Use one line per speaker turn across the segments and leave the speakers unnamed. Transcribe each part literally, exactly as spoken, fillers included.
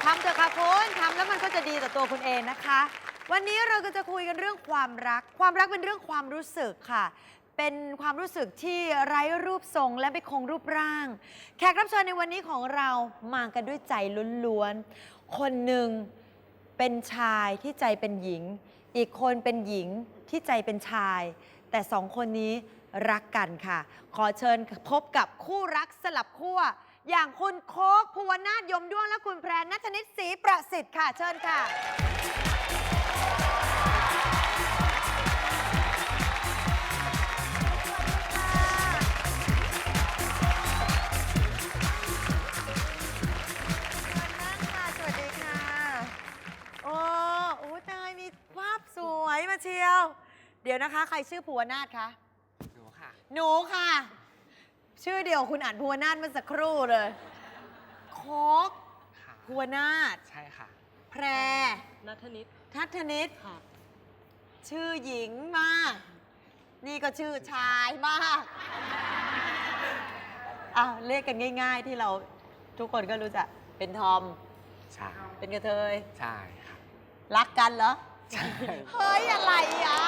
ทำเถอะค่ะคุณทำแล้วมันก็จะดีต่อตัวคุณเองนะคะ วันนี้เราก็จะคุยกันเรื่องความรัก ความรักเป็นเรื่องความรู้สึกค่ะ เป็นความรู้สึกที่ไร้รูปทรงและไม่คงรูปร่าง แขกรับเชิญในวันนี้ของเรามากันด้วยใจล้วนๆคนหนึ่งเป็นชายที่ใจเป็นหญิง อีกคนเป็นหญิงที่ใจเป็นชาย แต่สองคนนี้รักกันค่ะ ขอเชิญพบกับคู่รักสลับขั้วอย่างคุณโค้กภูวนาถยมด้วงและคุณแพรณัฐนิตศรีประสิทธิ์ค่ะเชิญค่ะสวัสดีค่ะโอ้โอ้ตายมีภาพสวยมาเชียวเดี๋ยวนะคะใครชื่อภูวนาถคะหนูค่ะหนูค่ะชื่อเดียวคุณอ่านภูวนาถเมื่อสักครู่เลยโค้กภูวนาถใช่ค่ะแพร
ณัฐนิต
ณัฐนิต
ค่ะ
ชื่อหญิงมากนี่ก็ชื่อชายมากอ้าวเรียกกันง่ายๆที่เราทุกคนก็รู้จักเป็นทอม
ใช่
เป็นกระเทย
ใช่ค่ะ
รักกันเหรอ
ใช่
เฮ้ยอะไรอ่ะ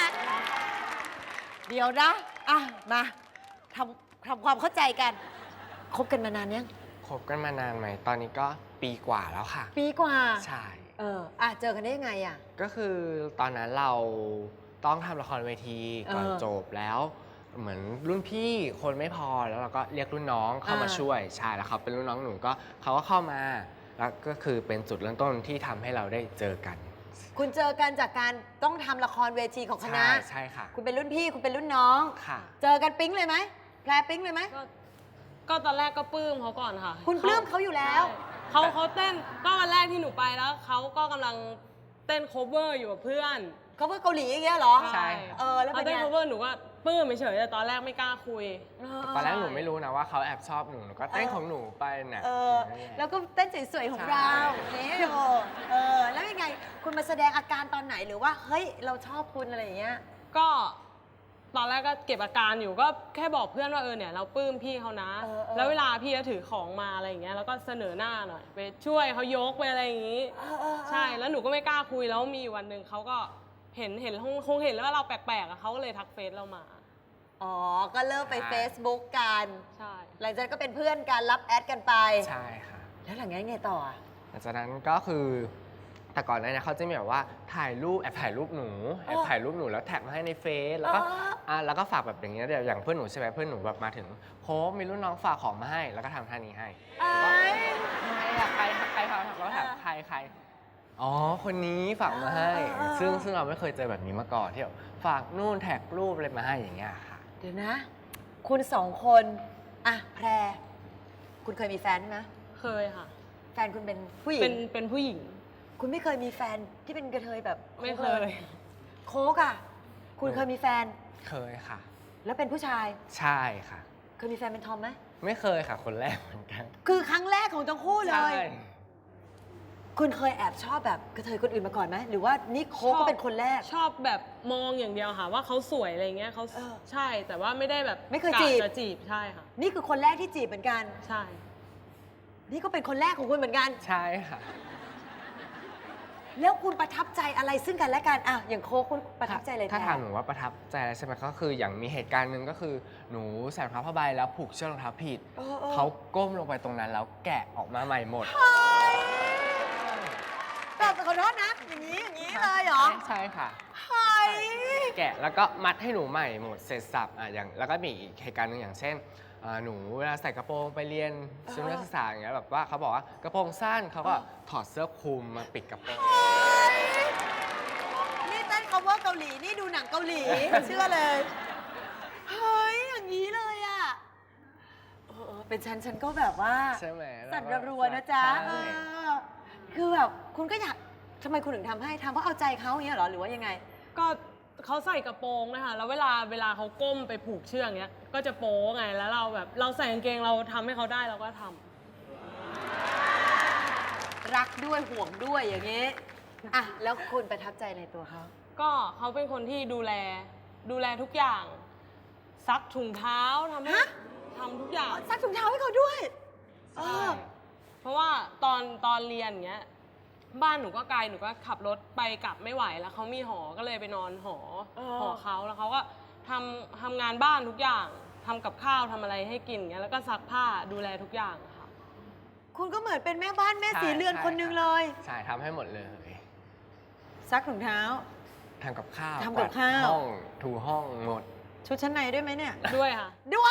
เดี๋ยวนะอ่ะมาทำทำความเข้าใจกันคบกันมานานยัง
คบกันมานานไหมตอนนี้ก็ปีกว่าแล้วค่ะ
ปีกว่า
ใช่
เอออ่ะเจอกันได้ยังไงอ่ะ
ก็คือตอนนั้นเราต้องทำละครเวทีก่อนจบแล้วเหมือนรุ่นพี่คนไม่พอแล้วเราก็เรียกรุ่นน้องเข้ามาช่วยใช่แล้วเขาเป็นรุ่นน้องหนูก็เขาก็เข้ามาแล้วก็คือเป็นจุดเริ่มต้นที่ทำให้เราได้เจอกัน
คุณเจอกันจากการต้องทำละครเวทีของคณะ
ใช่ใช่ค่ะ
คุณเป็นรุ่นพี่คุณเป็นรุ่นน้อง
ค่ะ
เจอกันปิ๊งเลยไหมแพรปิ๊งเลยไหม
ก็ก็ตอนแรกก็ปลื้มเขาก่อนค่ะ
คุณปลื้มเขาอยู่แล้ว
เขาเขาเต้นก็วันแรกที่หนูไปแล้วเขาก็กำลังเต้น cover อยู่กับเพื่อน
cover เกาหลีอย่างเงี้ยเหรอ
ใช่
เออแล้วเป็นไง
เต้น cover หนูก็ปลื้มเฉยๆแต่ตอนแรกไม่กล้าคุย
ตอนแรกหนูไม่รู้นะว่าเขาแอบชอบหนูหนูก็เต้นของหนูไปเนี่ย
เออแล้วก็เต้นสวยๆของเราเนี่ยโอ้เออแล้วยังไงคุณมาแสดงอาการตอนไหนหรือว่าเฮ้ยเราชอบคุณอะไรอย่างเงี้ย
ก็ตอนแรกก็เก็บอาการอยู่ก็แค่บอกเพื่อนว่าเออเนี่ยเราปลื้มพี่เขานะแล้วเวลาพี่เขาถือของมาอะไรอย่างเงี้ยแล้วก็เสนอหน้าหน่อยไปช่วยเขายกไปอะไรอย่างงี้ใช่แล้วหนูก็ไม่กล้าคุยแล้วมีวันหนึ่งเขาก็เห็นเห็นคงเห็นแล้วว่าเราแปลกๆอ่ะเขาก็เลยทักเฟซเรามา
อ๋อก็เริ่มไป Facebook กัน
ใช่
หลังจากนั้นก็เป็นเพื่อนกันรับแอดกันไป
ใช่ค่ะ
แล้วหลังจากนั้นไงต่อ
หลังจากนั้นก็คือแต่ก่อนหน้านี้เขาจะมีแบบว่าถ่ายรูปแอบถ่ายรูปหนูแอบถ่ายรูปหนูแล้วแท็กมาให้ในเฟซแล้วก็อ่าแล้วก็ฝากแบบอย่างเงี้ยเดี๋ยวอย่างเพื่อนหนูใช่ไหมเพื่อนหนูแบบมาถึงโค้มีรุ่นน้องฝากของมาให้แล้วก็ทำท่านี้ให้ใครอะใครใครฝากแล้วถามใครใครอ๋อคนนี้ฝากมาให้ซึ่งซึ่งเราไม่เคยเจอแบบนี้มาก่อนที่แบบฝากนู่นแท็กรูปอะไรมาให้อย่างเงี้ยค่ะ
เดี๋ยวนะคุณสองคนอ่ะแพรคุณเคยมีแฟนไหม
เคยค่ะ
แฟนคุณเป็นผู้หญิง
เป็นเป็นผู้หญิง
คุณไม่เคยมีแฟนที่เป็นกระเทยแบบ
ไม่เคย
โค้กอ่ะคุณเคยมีแฟน
เคยค่ะ
แล้วเป็นผู้ชาย
ใช่ค่ะ
เคยมีแฟนเป็นทอมไหม
ไม่เคยค่ะคนแรกเหมือนกัน
คือครั้งแรกของทั้งคู่เลยคุณเคยแอบชอบแบบกระเทยคนอื่นมาก่อนไหมหรือว่านี่โค้กก็เป็นคนแรก
ชอบแบบมองอย่างเดียวค่ะว่าเขาสวยอะไรเงี้ยเขาใช่แต่ว่าไม่ได้แบบ
ไม่เคยจีบ
จะจีบใช่ค่ะ
นี่คือคนแรกที่จีบเหมือนกัน
ใช่
นี่ก็เป็นคนแรกของคุณเหมือนกัน
ใช่ค่ะ
แล้วคุณประทับใจอะไรซึ่งกันและกันอ่ะอย่างโค้กคุณประทับใจอะไร
ถ้าถามหนูว่าประทับใจอะไรใช่ไหมก็คืออย่างมีเหตุการณ์หนึ่งก็คือหนูใส่รองเท้าผ้าใบแล้วผูกเชือกรองเท้าผิดเขาก้มลงไปตรงนั้นแล้วแกะออกมาใหม่หมด
แบบขอโทษนะอย่างนี้อย่างนี้เลยเหรอ
ใช่ค่ะ
เฮ้ย
แกะแล้วก็มัดให้หนูใหม่หมดเสร็จสับอ่ะอย่างแล้วก็มีอีกเหตุการณ์หนึ่งอย่างเช่นหนูเวลาใส่กระโปรงไปเรียนชุดนักศึกษาอย่างเงี้ยแบบว่าเขาบอกว่ากระโปรงสั้นเขาก็ถอดเสื้อคลุมมาปิดกระโปรง
นี่เต้น cover เกาหลีนี่ดูหนังเกาหลีเชื่อเลยเฮ้ยอย่างนี้เลยอ่ะเออเป็นฉันฉันก็แบบว่า
ใช่ไหม
สั่นระรัวนะจ๊ะคือแบบคุณก็อยากทำไมคุณถึงทำให้ทำเพราะเอาใจเขาอย่างเงี้ยเหรอหรือว่ายังไง
ก็เขาใส่กระโปรงนะคะแล้วเวลาเวลาเขาก้มไปผูกเชือกเงี้ยก็จะโป๊ไงแล้วเราแบบเราใส่กางเกงเราทำให้เขาได้เราก็ท
ำรักด้วยห่วงด้วยอย่างนี้อ่ะแล้วคุณประทับใจในตัวเขา
ก็เขาเป็นคนที่ดูแลดูแลทุกอย่างซักถุงเท้าทำให้ทำทุกอย่าง
ซักถุงเท้าให้เขาด้วยเออ
เพราะว่าตอนตอนเรียนอย่างเงี้ยบ้านหนูก็ไกลหนูก็ขับรถไปกลับไม่ไหวแล้วเขามีหอก็เลยไปนอนหอ
เออ
หอเขาแล้วเขาก็ทำทำงานบ้านทุกอย่างทำกับข้าวทำอะไรให้กินอย่างเงี้ยแล้วก็ซักผ้าดูแลทุกอย่างค่ะ
คุณก็เหมือนเป็นแม่บ้านแม่สีเรือนคนหนึงเลย
ใช่ทำให้หมดเลย
ซักถุงเท้า
ทำกับข้าว
ทำกับข้าว
กวดห้องถูห้องหมด
ชุดชั้นในด้วยไหมเนี่ย
ด้วยค่ะ
ด้วย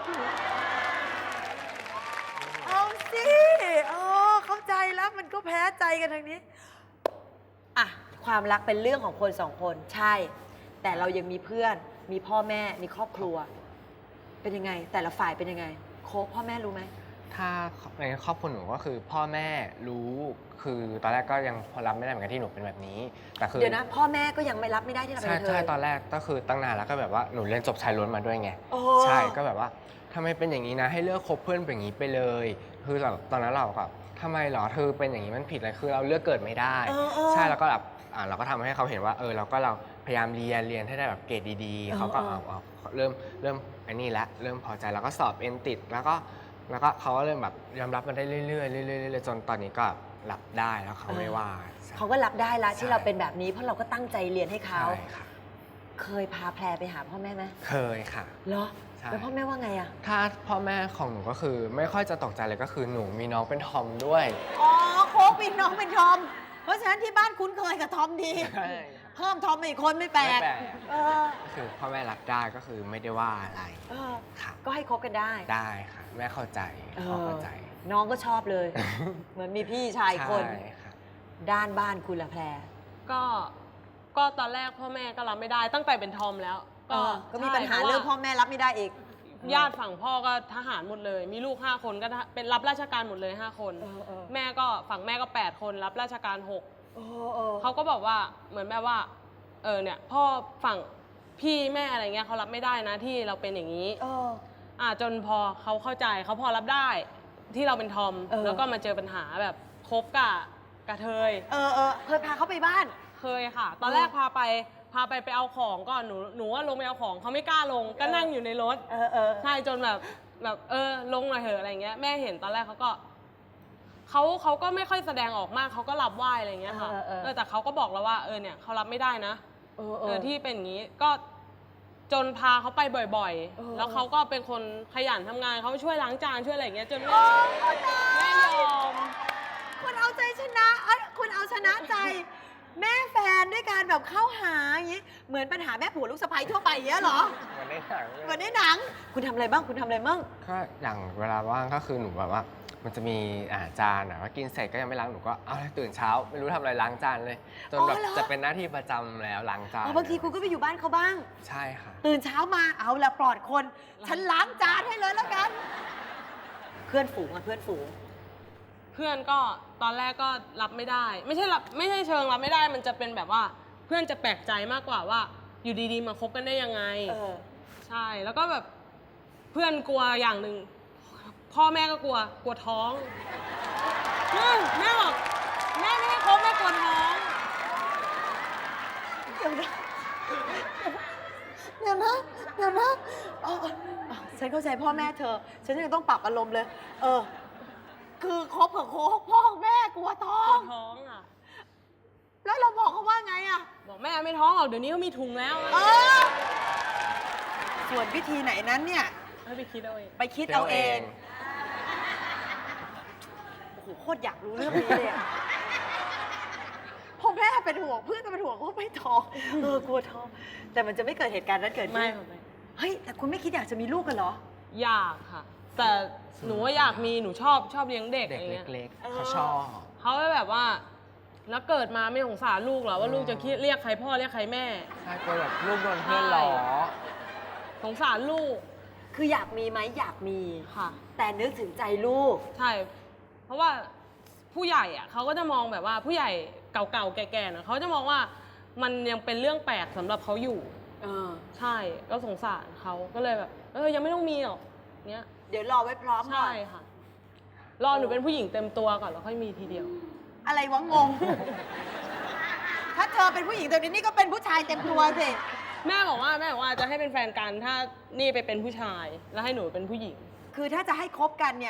เอาสิเออเข้าใจแล้วมันก็แพ้ใจกันทางนี้ อ่ะ ความรักเป็นเรื่องของคนสองคนใช่ แต่เรายังมีเพื่อน มีพ่อแม่ มีครอบครัว เป็นยังไง แต่ละฝ่ายเป็นยังไง โค้กพ่อแม่รู้ไหม
ถ้าในครอบครัวหนูก็คือพ่อแม่รู้คือตอนแรกก็ยังรับไม่ได้เหมือนกันที่หนูเป็นแบบนี้แต่คือ
เดี๋ยวนะ พ่อแม่ก็ยังไม่รับไม่ได้ที่เราเป็น
ใช่
กระเท
ใช่
ย
ตอนแรกก็คือตั้งนานแล้วก็แบบว่าหนูเรียนจบชายล้วนมาด้วยไง
โอ้
ใช่ก็แบบว่าทำไมเป็นอย่างนี้นะให้เลิกคบเพื่อนเป็นอย่างนี้ไปเลย คือตอนนั้นเราก็ทำไมเหรอเธอเป็นอย่างนี้มันผิดอะไรคือเราเลือกเกิดไม่ได้
เออเออ
ใช่แล้วก็แบบอ่าเราก็ทำให้เขาเห็นว่าเออเราก็เราพยายามเรียนเรียนให้ได้แบบเกรดดีๆเขาก็
เออ
เอาเอาเริ่มเริ่มไอ้นี่ละเริ่มพอใจแล้วก็สอบเอ็นติดแล้วก็แล้วก็เขาก็เริ่มแบบยอมรับมันได้เรื่อยๆเรื่อยๆเรื่อยๆจนตอนนี้ก็รับได้แล้วเขาไม่ว่าใช่
เขาก็รับได้ละที่
ใช่
เราเป็นแบบนี้เพราะเราก็ตั้งใจเรียนให้เขา
ใช่ค่ะ
เคยพาแพรไปหาพ่อแม่ไหม
เคยค่ะ
เหรอ
ใช่
แล้วพ่อแม่ว่าไงอะ
ถ้าพ่อแม่ของหนูก็คือไม่ค่อยจะตกใจเลยก็คือหนูมีน้องเป็นทอมด้วย
อ๋อโค้กเป็นน้องเป็นทอม เพราะฉะนั้นที่บ้านคุ้นเคยกับทอมดี
ใช่
เพิ่มทอมมาอีกคนไม่แปล
ไม่
ก
แปลก
เออ
ก็คือพ่อแม่รับได้ก็คือไม่ได้ว่าอะไร
เออ
ค่ะ
ก็ให้คบกันได้
ได้ค่ะ แม่เข้าใจ
เอ
พ่อ
อ
เข้าใจ
น้องก็ชอบเลย เหมือนมีพี่ชายคน
ใช่ค่ะ
ด้านบ้านคุณละแพร
ก็ก็ตอนแรกพ่อแม่ก็รับไม่ได้ตั้งแต่เป็นทอมแล้ว
ก็ก็มีปัญหา
ใช่
เรื่องพ่อแม่รับไม่ได้อีก
ญาติฝั่งพ่อก็ทหารหมดเลย มีลูกห้าคนก็ทหเป็นรับราชการหมดเลยห้าคน
เออเออ
แม่ก็ฝั่งแม่ก็แปดคนรับราชการหก
เออเออ
เขาก็บอกว่าเหมือนแบบว่าเออเนี่ยพ่อฝั่งพี่แม่อะไรเงี้ยเขารับไม่ได้นะที่เราเป็นอย่างนี้
เออ
อ่าจนพอเขาเข้าใจเขาพอรับได้ที่เราเป็นทอม
เออ
แล้วก็มาเจอปัญหาแบบคบกับกระเทย
เออเออเคยพาเขาไปบ้าน
เคยค่ะ ตอนแรกพาไปพาไปไปเอาของก่อนหนูหนูว่าลงไปเอาของเขาไม่กล้าลงก็นั่งอยู่ในรถ
เออเออ
ใช่จนแบบแบบเออลงหน่อยเถอะอะไรเงี้ยแม่เห็นตอนแรกเขาก็เขาเขาก็ไม่ค่อยแสดงออกมากเขาก็รับไหว้อะไรเงี้ยค่ะ
เออเออเออ
เออแต่เขาก็บอกแล้วว่าเออเนี่ยเขารับไม่ได้นะ
เออ
เออที่เป็นอย่างนี้ก็จนพาเขาไปบ่อย
เออ
ๆ แล้วเขาก็เป็นคนขยันทำงานเขาช่วยล้างจานช่วยอะไรอย่างเงี้ยจนแม่
โอ้ยตาย
แม่ยอม
คุณเอาใจชนะเอ้ยคุณเอาชนะใจ แม่แฟนด้วยการแบบเข้าหาอย่างนี้ เหมือนปัญหาแม่ผัวลูกสะใภ้ทั่วไปอย่างเงี้ยเหรอ
เหมือนในหนังเลย
เหมือนในหนัง คุณทำอะไรบ้าง คุณทำอะไรบ้าง
ก็อย่างเวลาว่างก็คือหนูแบบว่า มันจะมีอาจานอ่ะว่ากินเสร็จก็ยังไม่ล้างหนูก็เอาตื่นเช้า ไม่รู้ทำอะไรล้างจานเลย จนแบบ
อ๋อเหรอ
จะเป็นหน้าที่ประจำแล้วล้างจาน
อ๋อบางทีคุณก็ไปอยู่บ้านเขาบ้าง
ใช่ค่ะ
ตื่นเช้ามาเอาละปลอดคน ฉันล้างจานให้เลยแล้วกัน เพื่อนฝูงอะเพื่อนฝูง
เพื่อนก็ตอนแรกก็รับไม่ได้ ไม่ใช่รับไม่ใช่เชิงรับไม่ได้ มันจะเป็นแบบว่าเพื่อนจะแปลกใจมากกว่าว่า อยู่ดีๆมาคบกันได้ยังไง
เออ
ใช่แล้วก็แบบเพื่อนกลัวอย่างหนึ่งพ่อแม่ก็กลัวกลัวท้องแม่แม่บอกแม่ไม่ให้คบแม่กลัวท้อง
เดี๋ยวนะเดี๋ยวนะเดี๋ยวนะอ๋ออ๋อฉันเข้าใจพ่อแม่เธอ ฉันยังต้องปรับอารมณ์เลย เออ คือคบกับโค้กพ่อแม่กลัวท้อก
ลั
ง
วท้องอ่ะ
แล้วเราบอกเขาว่าไงอะ
บอกแม่ไม่ท้องหรอกเดี๋ยวนี้เขามีถุงแล้ว
เออ ส่วนวิธีไหนนั้นเนี่ย
ให้ไปคิดเอาเอง
ไปคิดเอาเอง โอ้โห โคตรอยากรู้เรื่องนี้เลยอะพ่อแม่เป็นห่วงเพื่อนก็เป็นห่วงว่าไม่ท้อง เออกลัวท้อง แต่มันจะไม่เกิดเหตุการณ์นั้นเกิดขึ้
ไม่
น
ค่ะไม่
เฮ้ย แต่คุณไม่คิดอยากจะมีลูกกันเหรอ
อยากค่ะ แต่หนูว่าอยากมีหนูชอบชอบเลี้ยงเด็ก
เด็
อะ
ก
ไรเงี้ย
เล็ก
เออ
ๆเขาชอบ
เขาก็แบบว่า แล้วเกิดมาไม่สงสารลูกเหรอว่าลูกจะคิดเรียกใครพ่อเรียกใครแม่
ใช่ก็แบบลูกโดนเพื่อนล้อ
สงสารลูก
คืออยากมีไหมอยากมี
ค่ะ
แต่นึกถึงใจลูก
ใช่ เพราะว่าผู้ใหญ่อะเขาก็จะมองแบบว่าผู้ใหญ่เก่าๆแก่ๆนะเขาจะมองว่ามันยังเป็นเรื่องแปลกสำหรับเขาอยู่
เออ
ใช่ก็สงสารเขาก็เลยแบบ เออยังไม่ต้องมีหรอกเนี้ย
เดี๋ยวรอไว้พร้อมก่
ใช่
อน
ค่ะ รอหนูเป็นผู้หญิงเต็มตัวก่อนแล้วค่อยมีทีเดียว
อะไรวะงง ถ้าเธอเป็นผู้หญิงตัวนี้นี่ก็เป็นผู้ชายเต็มตัวสิ
แม่บอกว่าแม่บอกว่าจะให้เป็นแฟนกันถ้านี่ไปเป็นผู้ชาย แล้วให้หนูเป็นผู้หญิง
คือถ้าจะให้คบกันเนี่ย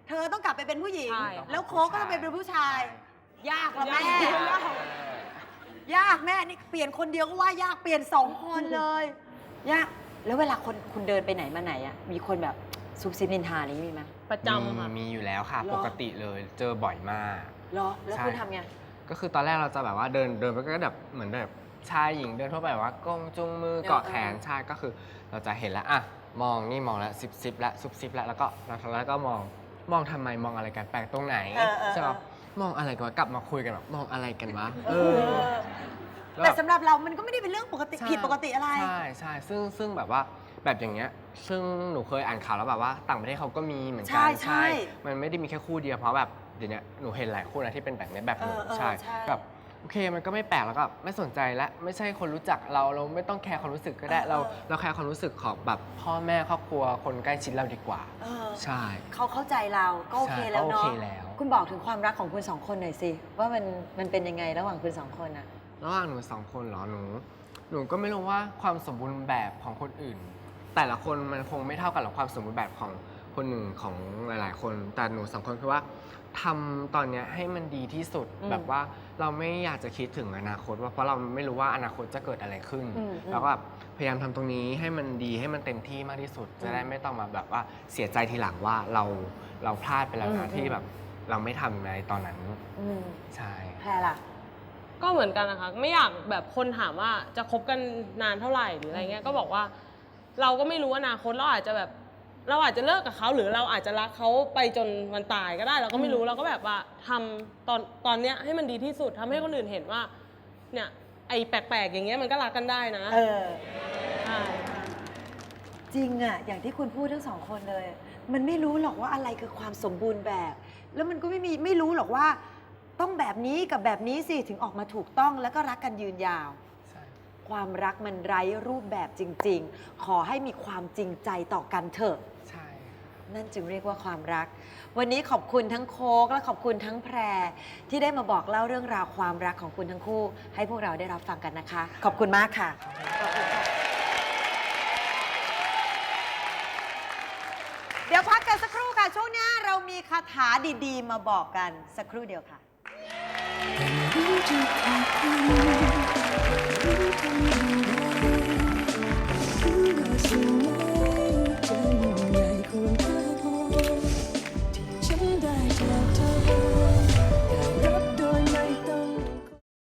เธอต้องกลับไปเป็นผู้หญิง
ใช่
แล้วโค้กก็ต้องไปเป็นผู้ชาย ยากละแม่
ยาก
ยากแม่นี่เปลี่ยนคนเดียวก็ว่ายากเปลี่ยนสองคนเลยยากแล้วเวลาคนคุณเดินไปไหนมาไหนอ่ะมีคนแบบซุบซิบนินทาอะไรอย่างนี้มีไหม
ประจำค่ะ
มีมีอยู่แล้วค่ะ
เหรอ
ปกติเลยเจอบ่อยมาก
เหรอแล้ว
ใช่
คุณทำไง
ก็คือตอนแรกเราจะแบบว่าเดินเดินไปก็แบบเหมือนแบบชายหญิงเดินทั่วไปแบบว่ากงจุงมือ
เออ
เกาะแขนใช่ก็คือเราจะเห็นแล้วอ่ะมองนี่มองแล้วซิบซิบแล้วซุบซิบแล้วแล้วก็แล้วก็มองมองทำไมมองอะไรกันแปลกตรงไหน
เออเออ
ใช่ปะมองอะไรกันวะกลับมาคุยกันแบบมองอะไรกันวะเออ
แต่สำหรับเรามันก็ไม่ได้เป็นเรื่องปกติ
ใช่
ผิดปกติอะไร
ใช่ใช่ซึ่งซึ่งแบบว่าแบบอย่างเงี้ยซึ่งหนูเคยอ่านข่าวแล้วแบบว่าต่างประเทศเขาก็มีเหมือนกั
ใช่ใช่
มันไม่ได้มีแค่คู่เดียวเพราะแบบเดี๋ยวนี้หนูเห็นหลายคู่นะที่เป็นแบบนี้แบบหนู
เออเออ
ใช่
ใช่
แบบโอเคมันก็ไม่แปลกแล้วก็ไม่สนใจและไม่ใช่คนรู้จักเราเราไม่ต้องแคร์ความรู้สึกก็ได้เราเราแคร์ความรู้สึกของแบบพ่อแม่ครอบครัวคนใกล้ชิดเราดีกว่า
เออ
ใช่
เขาเข้าใจเราก็โอเค
ใช่
แล้ว
ก็
เนาะ
โอเคแล้ว
คุณบอกถึงความรักของคุณสองคนหน่อยสิว่ามันมันเป็นยังไงระหว่างคุณสองคนอะ
ระหว่างหนูสองคนเหรอหนู หนูก็ไม่รู้ว่าความสมบูรณ์แบบของคนอื่น แต่ละคนมันคงไม่เท่ากันหรอกความสมบูรณ์แบบของคนหนึ่งของหลาย ๆ คน แต่หนูสองคนคือว่าทำตอนเนี้ยให้มันดีที่สุด
อืม
แบบว่าเราไม่อยากจะคิดถึงอนาคตว่าเพราะเราไม่รู้ว่าอนาคตจะเกิดอะไรขึ้น
อืมอืม
แล้วก็แบบพยายามทำตรงนี้ให้มันดีให้มันเต็มที่มากที่สุด จะได้ไม่ต้องมาแบบว่าเสียใจทีหลังว่าเราเราพลาดไปแล้ว
อื
นะ
ม
ที่แบบเราไม่ทำในตอนนั้น
อืม
ใช่
แพรล่ะ
ก็เหมือนกันนะคะไม่อยากแบบคนถามว่าจะคบกันนานเท่าไหร่หรืออะไรเงี้ยก็บอกว่า เราก็ไม่รู้อนาคตเราอาจจะแบบ เราอาจจะเลิกกับเขาหรือเราอาจจะรักเขาไปจนวันตายก็ได้ เราก็ไม่รู้เราก็แบบว่าทำตอนตอนเนี้ยให้มันดีที่สุดทำให้คนอื่นเห็นว่า เนี่ยไอ้แปลกๆอย่างเงี้ยมันก็รักกันได้นะ
เออ
ใช่
จริงอะอย่างที่คุณพูดทั้งสองคนเลย มันไม่รู้หรอกว่าอะไรคือความสมบูรณ์แบบ แล้วมันก็ไม่มีไม่รู้หรอกว่า ต้องแบบนี้กับแบบนี้สิถึงออกมาถูกต้องแล้วก็รักกันยืนยาว
ใช่
ความรักมันไร้รูปแบบจริง ๆ ขอให้มีความจริงใจต่อกันเถอะ
ใช่
นั่นจึงเรียกว่าความรัก วันนี้ขอบคุณทั้งโค้กและขอบคุณทั้งแพร ที่ได้มาบอกเล่าเรื่องราวความรักของคุณทั้งคู่ ให้พวกเราได้รับฟังกันนะคะ ขอบคุณมากค่ะ เดี๋ยวพักกันสักครู่ค่ะ ช่วงหน้าเรามีคาถาดีๆ มาบอกกันสักครู่เดียวค่ะ
รู้จะขอบคุณรู้คำ